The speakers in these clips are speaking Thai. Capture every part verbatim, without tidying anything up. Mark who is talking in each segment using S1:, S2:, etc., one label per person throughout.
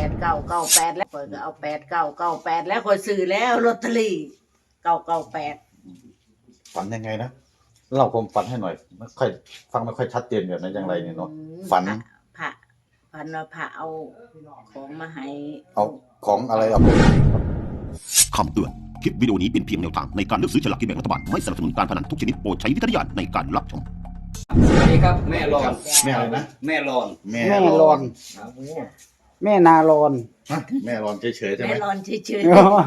S1: ดเก้าเก้าแปดแล้วข่อยก็เอาแปดเก้าเก้าแปดแล้วข่อยซื้อแล้วลอตเตอรี่เก้าเก้าแปด
S2: ฝันยังไงนะเล่าความฝันให้หน่อยไม่ค่อยฟังไม่ค่อยชัดเจนแบบนั้นอย่างไรเนี่ยเนาะฝัน
S1: พระฝันว่าพระเอาของมาให้
S2: เอาของอะไรเอาไป
S3: คำเตือนคลิปวิดีโอนี้เป็นเพียงแนวทางในการเลือกซื้อฉลากกินแบ่งรัฐบาลไม่สนับสนุนการพนันทุกชนิดโปรดใช้วิจารณญาณในการรับชม
S4: สวัสดีครับแม่รอน
S2: แม่อะไรนะ
S4: แม่รอน
S2: แม่
S5: แม่รอน แม่นารอน
S2: ฮะแม่รอนเฉยๆใช่ไหม
S1: แม่รอนเฉย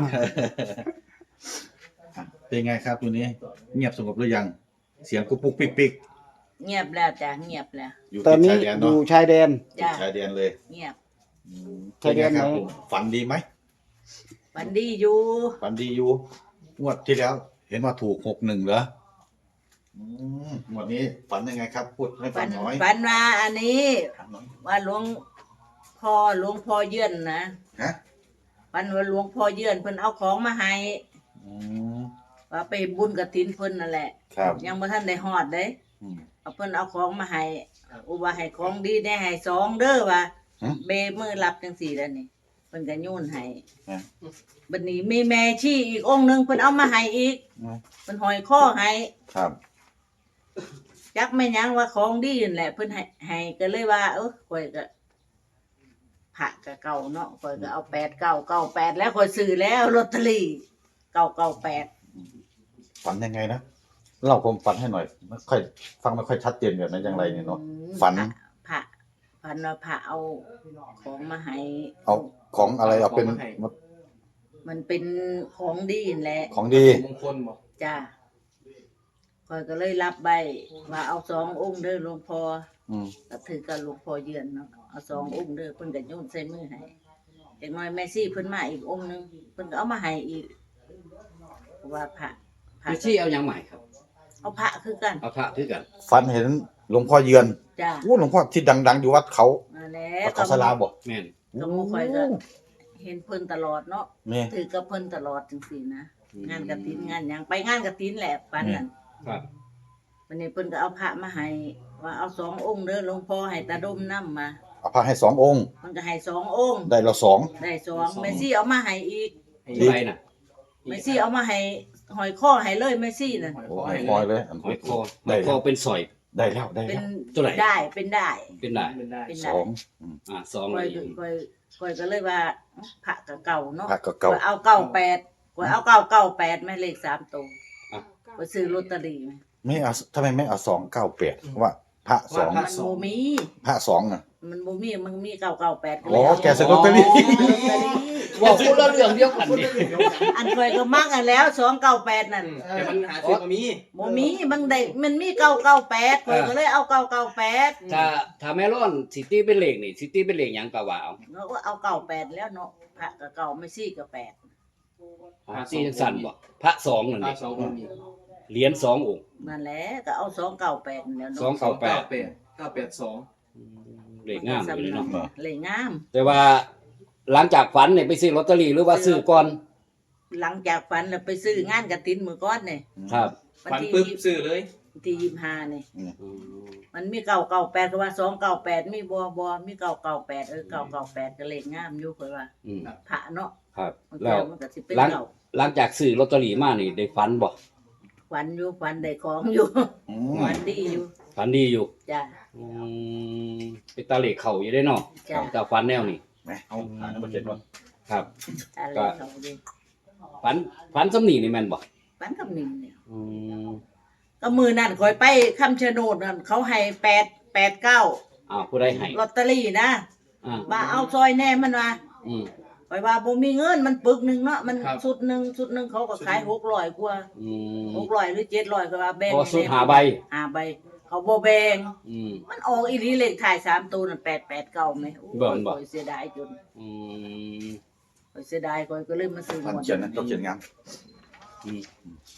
S2: เป็นไงครับตัวนี้ เงียบสงบหรือยัง เสียงกุ๊กปุ๊กปิ๊กปิ๊ก
S1: ๆเงียบแล้วจ้ะเงียบแล้ว
S2: อยู่
S5: ตอน
S2: ติด
S5: นี้
S2: ชายแดน
S5: อ
S2: เนาะ
S5: ยู่ชายแดน
S2: ติดชายแดนเลย
S1: เงียบ
S2: อืม
S5: ชายแดน
S2: เป็ไงครับ
S5: ไหน
S2: ผมฝันดีไหม
S1: ฝันดีอยู่
S2: ฝันดีอยู่งวดที่แล้ว เห็นว่าถูกหกหนึ่งเหรออืมงวดนี้ฝันยังไงครับ พูดให้ฟั
S1: ฝั
S2: ง
S1: น
S2: หน่อย
S1: ฝันว่าอันนี้
S2: ฝันหน่อย
S1: ว่าหลวงพ่อหลวงพ่อเยื่อนนะ
S2: ฮะ
S1: ฝันว่าหลวงพ่อเยื่อนเพิ่นเอาของมาให้
S2: อืม
S1: ว่าไปบุญกฐินเพิ่นนั่นแหละ
S2: ครับ
S1: ยังบ่ทันได้ฮอดเด้
S2: อืม
S1: เอาเพิ่นเอาของมาให้อุว่าให้ของดีได้ให้สองเด้อว่า
S2: ฮะ
S1: เบมือรับจังซี่แล้วนี่เพิ่นก็โยนให้
S2: ฮะ
S1: บัดนี้มีแม่ชีอีกองค์หนึงเพิ่นเอามาให้อีก
S2: อืม
S1: เพิ่นห้อยคอให้
S2: ครับ
S1: จักแม่นหยังว่าของดีนั่นแหละเพิ่นให้ให้ก็เลยว่าเออข่อยก็พระก็เก่าเนาะข่อยก็เอาแปดเก้าเก้าแปดแล้วข่อยซื้อแล้วลอตเตอรี่เก้าเก้าแปด
S2: ฝันยังไงนะเล่าความฝันให้หน่อยไม่ค่อยฟังไม่ค่อยชัดเจนแบบนั้นอย่างไรเนี่ยเนาะฝัน
S1: พระฝันว่าพระเอาของมาให้
S2: เอาของอะไรเอาเป็น
S1: มันเป็นของดีนั่นแหละ
S2: ของดี
S4: มงคลบอก
S1: จ้าข่อยก็เลยรับใบว่าเอาสององค์เด้อหลวงพ่อ
S2: อืม
S1: ก็ถือกับหลวงพ่อเยือนเนาะเอาสององค์เด้อเพิ่นก็โยนใส่มือให้เด็กน้อยแม่ซี่เพิ่นมาอีกองค์หนึงเพิ่นก็เอามาให้อีกเพราะว่าพระพระ
S4: พี่ชี้เอาอย่างใหม่ครับ
S1: เอาพระคือกัน
S4: เอาพระคือกัน
S2: ฝันเห็นหลวงพ่อเยือน
S1: จ้า
S2: โอ้หลวงพ่อที่ดัง ๆ อยู่วัดเขา
S1: นั่นแหละ
S2: วัดเขาสลาบ่
S4: แม่น
S1: ก็หมู่ข่อยก็เห็นเพิ่นตลอดเนาะ
S2: นี่
S1: ถือกับเพิ่นตลอดจังซี่นะงานกฐินงานหยังไปงานกฐินแหละปานนั้น
S4: ครับ
S1: วันนี้เพิ่นก็เอาพระมาให้ว่าเอาสององค์เด้อหลวงพ่อให้ตาดมนำมา
S2: เอาพระให้สององค์
S1: มันก็ให้สององค์
S2: ได้เราสอง
S1: ได้สองแม่ซี่เอามาให้อีก
S4: ให้อะไรน่ะ
S1: แม่ซี่เอามาให้หอยข้อให้เลยแม่ซี่น่ะ
S2: โอ้ให้คอยเลยอัน
S4: หอยคอห
S2: ได้
S4: อยค
S2: แล้
S4: อ
S2: ว
S4: เป็นสอย
S2: ได้แล้วได้
S1: เป็
S2: แล้
S1: น
S2: ว
S4: ตัวไหน
S1: ได้เป็นได้
S4: เป็นได้
S1: เป็น
S2: ส
S1: ได้
S2: อง
S4: อ่าสอง
S1: ก้
S4: เล
S1: อย
S4: ย
S1: ก้อยก้อยก็เลยว่าพระกับเก่าเนาะ
S2: พระกับเก่า
S1: ข้อยเอาเก้าแปดก้อยเอาเก้าเก้าแปดแม่เลขสามตัว
S4: อ่ะ
S1: ก้อยซื้อลอตเตอรี่ไหม
S2: ไม่เอาทำไมไม่เอาสองเก้าแปดว่าพระสอง
S1: มันโมมี
S2: พระสองน่ะ
S1: มันโมมีมันมีเก้าเก้าแปดก็เล
S2: อ๋
S1: ย
S2: อ
S1: เอา
S2: แกซื้อลอตเตอรี่
S1: ลอตเตอรี่
S4: ว่าคนละเรื่องเดียวกันดิ
S1: อันก้อยก็มักอันแล้วสองเก้าแปดนั่น
S4: แต่มันหาซื้อมามี
S1: โมมีมันได้มันมีเก้าเก้าแปดก้อยก็เลยเอาเก้าเก้าแปด
S4: ถ้าถ้าแม่ร้อนซิตี้เป็นเลขนี่ซิตี้เป็นเลขหยังก็ว่าเอา
S1: เราก็เอาเก้าแปดแล้วเนาะพระกับเก่าไม่ซี่กับแปด
S4: หาซี่จังสั่นบ่พระสองนั่น
S6: พระ
S4: นี่
S6: สององค์
S4: เหรียญสององค์
S1: นั่นแหละก็เอาสองเก้าแปดแล้ว
S4: สอง
S1: เนาะ
S4: เก้าแป
S6: เก้า
S4: ด
S6: แปดเก้าแปดสอง
S4: เลขงามอยู่เลยเนาะ
S1: เลยงาม
S4: แต่ว่าหลังจากฝันเนี่ยไปซื้อลอตเตอรี่หรือว่าซื้อก่อน
S1: หลังจากฝันแล้วไปซื้องานกฐินมือก้อนเนี่ย
S4: ครับ
S1: วัน
S6: ฟัน
S1: ที่
S6: ปึ๊บ
S1: ยี่สิบ
S6: ซื้อเลย
S1: วันที่ยี่สิบห้าเนี่ย
S4: อืม
S1: มันมีเก้าเก้าแปดก็ว่าสองเก้าแปดมีบัวบัวมีเก้าเก้าแปดเออเก้าเก้าแปดก็เลขงามอยู่เคยว่า
S4: อืม
S1: พระเนาะ
S4: ครับ
S1: มัน
S4: แล้
S1: ก็
S4: ว
S1: มันก็สิเป็น
S4: หลัง
S1: เก่า
S4: หลังจากซื้อลอตเตอรี่มานี่ได้ฝันบ่
S1: ฝันอยู่ฝันได้ของอยู่
S2: อืม
S1: ฝันดีอยู่
S4: ฝันดีอยู่
S1: จ้ะ
S4: อืมเป็นตาเหล็กเข่าอยู่ได้เนาะ
S1: จ้ะ
S4: แต่ฝันแนวนี้
S2: แหมเอาหาน้ำมันเจ็ดก่อน
S4: ครับ
S1: อะไรเขาดี
S4: ฝันฝันสำนีนี่แม่นบ่
S1: ฝันกับหนึ่งเนี่ย
S4: อืม
S1: ก็มือนั่นคอยไปคำชะโนดนั่นเขาให้แปดแปดเก้า
S4: อ้าวผู้ใดให้
S1: ลอตเตอรี่นะ
S4: อ่า
S1: ว่าเอาซอยแน่มันว่า
S4: อืม
S1: ไปว่าบ่มีเงินมันปึกหนึ่งเนาะมันสุดหนึ่งสุดหนึ่งเขาก็ขายหกร้อยกว่า
S4: อืม
S1: หกร้อยหรือเจ็ดร้อยก็ว่าแบ่ง
S4: พอสุดหาใบ
S1: หาใบ เขาบ่แบ่ง
S4: อืม
S1: มันออกอีหลีเลขถ่ายสามตัวนั่นแปดแปดเก้าไหมโอ้ย
S4: บ่นบ่
S1: ข้อยเสียดายจน
S4: อืม
S1: ข้อยเสียดายข้อยก็เลยมาซื้อหม
S2: ท่าน
S1: ด
S2: เขียนนะต้องเขียนงาม
S4: อืม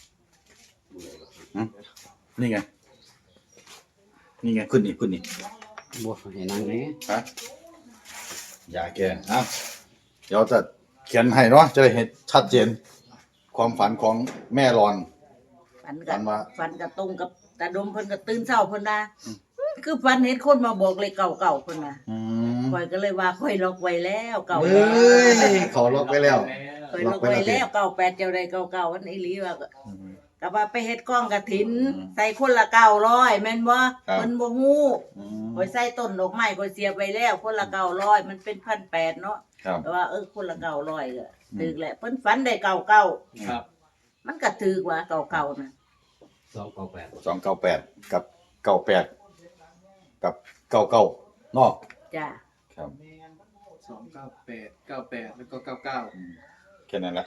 S2: นี่ไง นี่ไงขึ้นนี่ขึ้นนี่
S4: บ่ให้นั่งแหน่
S2: ฮะอย่าแกเอาเดี๋ยวจะเขียนให้เนาะจะได้เห็นชัดเจน ความฝันของแม่รอน
S1: ฝัน
S2: ฝั
S1: กับ
S2: นว่า
S1: ฝันกับตรงกับตาดมเพิ่นก็ตื่นเช้าเพิ่นว่าคือฝันเห็นคนมาบอกเลขเก่าๆเพิ่นว่า
S2: อืม
S1: ข่อยก็เลยว่าข่อยล็อกไว้แล้วเก่า
S2: เฮ้ยขอล็อกไว้แล้ว
S1: ข่อยล็อกไว้แล้วเก่าแปดเจ้าใดเก่าเก่าวันอีหลีว่าก็ก็ว่าไปเฮ็ดกล้องกฐิน ใส่คนละเก้าร้อยแม่นบ่เพิ่นบ่ฮู้
S2: อืม
S1: ข่อยใส่ต้นดอกไม้ข่อยเสียไปแล้วคนละเก้าร้อยมันเป็นพันแปดเนาะ
S2: ครับ
S1: แต่ว่าเออคนละเก้าร้อยก็ถึกแหละเพิ่นฝันได้เก่าเก่า
S4: ครับ
S1: มันก็ถึกว่าเก่าเก่าน่ะ
S4: สองเก้าแปด
S2: สองเก้าแปดกับเก้าแปดกับเก้าเก้าเนาะ
S1: จ้า
S2: ครับ
S6: สองเก้าแปดเก้าแปดแล้วก็เก้าเก้า
S2: แค่นั้นแหละ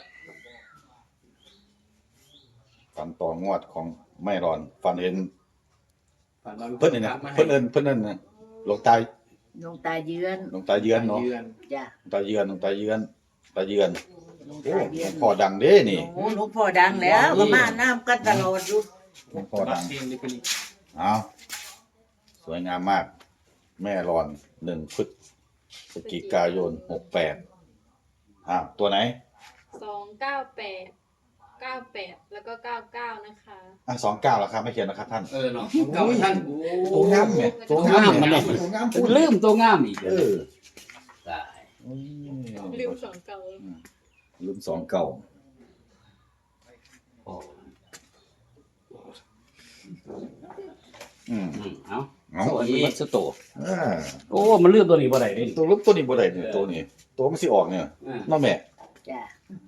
S2: ฝันต่องวดของไม่รอนฝันเห็น
S6: ฝันว่า
S2: เพิ่นนี่นะ
S6: มาให้
S2: เพิ่นเอิ้นเพิ่นเอิ้นนะหลวงตา
S1: หลวงตาเยือน
S2: หลวงตาเยือนเนาะ
S6: ยือน
S1: จ้า
S2: หลวงตาเยือนหลวงตาเยือนตาเยือน
S1: หลวง
S2: โอ้
S1: ตาเยื
S2: หล
S1: อ
S2: วน งพ่อดังเด้นี่
S1: โอ้หลวงพ่อดังแล้วก็มาน้ำกันตลอดอยู่
S2: หลวงพ่อ
S6: รั
S2: ดั
S6: บ
S2: ง
S6: เพลงนี่เป็นอีก
S2: เอาสวยงามมาก แม่รอนหนึ่งพฤศจิกายนหกแปดอ้าวตัวไหน
S7: สองเก้าแปดเก้าแปดแล้วก็เก้าเก้านะคะ
S2: อ่ะสองเก้าแล้วครับไม่เขียนนะครับท่าน
S4: เออเนาะเก้าท่านโอ้
S2: ตัวงามเนี่ย
S4: ตัวงามมันเนี่ย
S2: ตัวงามพูด
S4: ลืมตัวงามอีก
S2: เออ
S4: ได้
S2: อืม
S7: ลืมสองเก้า
S2: ลืมสองเก่า
S4: โอ้
S2: อืม
S4: อืมเอา
S2: เอา
S4: สวัสดีวัสโต
S2: อ่า
S4: โอ้มันลืมตัวนี้บ่ได้เด้
S2: ตัวรูปตัวนี้บ่ได้เนี่ยตัวนี้ ตัวมันสิออกเนี่ย
S4: อ่า
S2: น้องแม่
S1: จ้า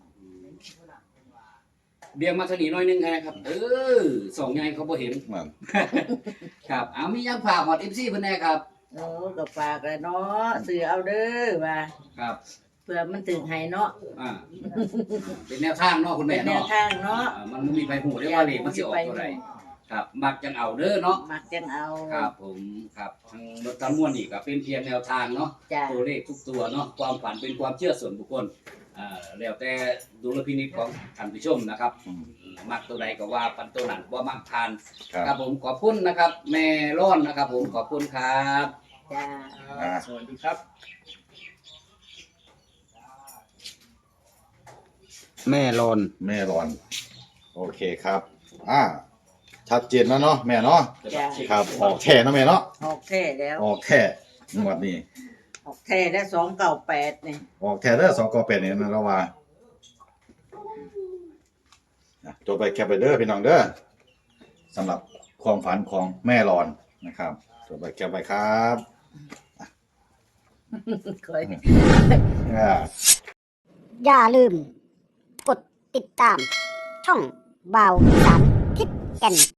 S4: เบี่ยงมาทางนี้หน่อยนึงนะครับ เออสองไงเขาบ่เห็น
S2: นั่น
S4: ครับเอามียังฝากฮอด เอฟ ซี เพิ่นแน่ครับ
S1: โอ้ก็ฝากแล้วเนาะซื้อเอาเด้อว่า
S4: ครับ
S1: เพื่อมันถึงให้เนาะ
S4: อ่าเป็นแนวทางเนาะคุณ
S1: เป็
S4: แม่
S1: นแนว
S4: เนาะ
S1: ทางเนาะ
S4: อ่ามันบ่มีไผฮู้ได้ว่าเลขมันสิออกตัวใดครับ มักจังเอาเด้อเนาะ
S1: มักจังเอา
S4: ครับผมครับทั้งรถทั้งมวลนี่ก็เป็นเพียงแนวทางเนาะ
S1: จ้า
S4: ตัวเลขทุกตัวเนาะความฝันเป็นความเชื่อส่วนบุคคลอ่าแล้วแต่ดุลพินิจของท่านผู้ชมนะครับ
S2: อืม
S4: มักตัวใดก็ว่าปันตัวนั้นว่ามักทาน
S2: ครับ
S4: ครับผมขอบคุณนะครับ แม่ร้อนนะครับ ผมขอบคุณครับ
S1: จ้า
S2: อ่า
S6: สวัสดีครับ
S5: แม่รอน
S2: แม่รอน โอเคครับ อ่า ชัดเจนแล้วเนาะแม่เนาะ
S1: จ้า
S2: ครับ ออกแท่เนาะแม่เนาะ
S1: ออกแท้แล้ว
S2: ออกแท่งวดนี้
S1: ออกแท้แล้วสองเก้าแปดนี่
S2: ออกแท่เด้อสองกอเป็ดนี่นะเราว่าอ่ะจดไปแคปไปเด้อพี่น้องเด้อสำหรับความฝันของแม่รอนนะครับจดไปแคปไปครับ
S1: คอย
S2: อ่า
S8: อย่าลืม กดติดตาม ช่องบาวสารทิศแก่น